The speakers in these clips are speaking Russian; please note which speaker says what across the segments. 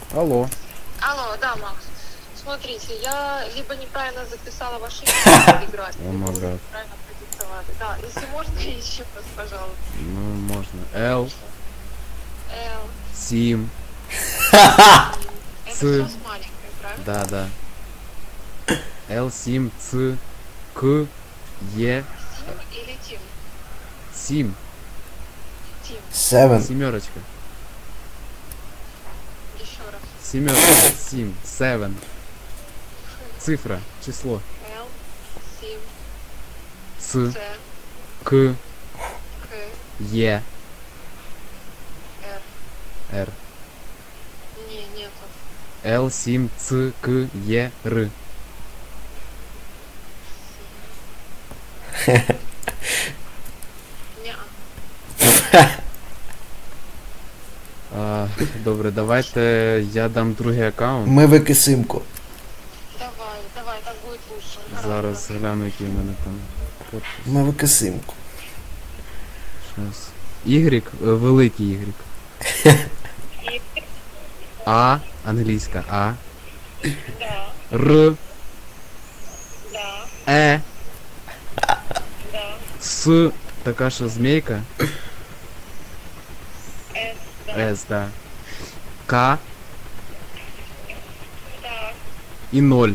Speaker 1: Алло.
Speaker 2: Алло, да, Макс. Смотрите, я либо неправильно записала ваше имя в Телеграме,
Speaker 1: О
Speaker 2: либо
Speaker 1: май
Speaker 2: вы
Speaker 1: гад.
Speaker 2: неправильно продиктовали. Да, если можно, еще раз, пожалуйста.
Speaker 1: Ну, можно. Л,
Speaker 2: Л,
Speaker 1: Сим.
Speaker 2: это
Speaker 1: Ц.
Speaker 2: все с маленькой, правильно?
Speaker 1: Да, да. Л, Сим, Ц, К, Е,
Speaker 2: Тим или Тим?
Speaker 1: Сим.
Speaker 2: Тим.
Speaker 3: Seven.
Speaker 1: Семерочка.
Speaker 2: Еще раз.
Speaker 1: Семерочка. Сим. Севен. Цифра. Число.
Speaker 2: Л, Сим,
Speaker 1: Ц,
Speaker 2: Ц,
Speaker 1: К,
Speaker 2: К,
Speaker 1: Е,
Speaker 2: Р.
Speaker 1: Р.
Speaker 2: Не, нету.
Speaker 1: Л, Сим, Ц, К, Е, Р.
Speaker 2: Неа.
Speaker 1: Добре, давайте я дам другий аккаунт.
Speaker 3: Ми викисимку.
Speaker 2: Давай, давай, так будет лучше.
Speaker 1: Зараз гляну, який в мене там.
Speaker 3: Ми викисимку.
Speaker 1: Щас. Y, великий Y. А, англійська А.
Speaker 2: Да,
Speaker 1: Р,
Speaker 2: да,
Speaker 1: Е,
Speaker 2: да,
Speaker 1: С, така що змійка.
Speaker 2: С, да,
Speaker 1: С, да. К
Speaker 2: так.
Speaker 1: і 0.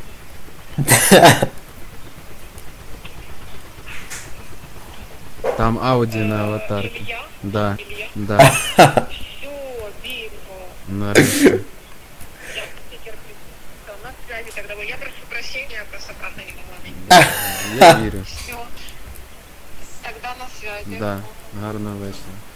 Speaker 1: Там Ауді на аватарці.
Speaker 2: Илья,
Speaker 1: Да,
Speaker 2: Илья.
Speaker 1: да.
Speaker 2: Все, бинго.
Speaker 1: Нарешті.
Speaker 2: Я стикер на связи тогда был. Я прошу прощения, я просто правда не могла.
Speaker 1: Я вірю.
Speaker 2: Все. Тогда на связи.
Speaker 1: Да, гарного вечора.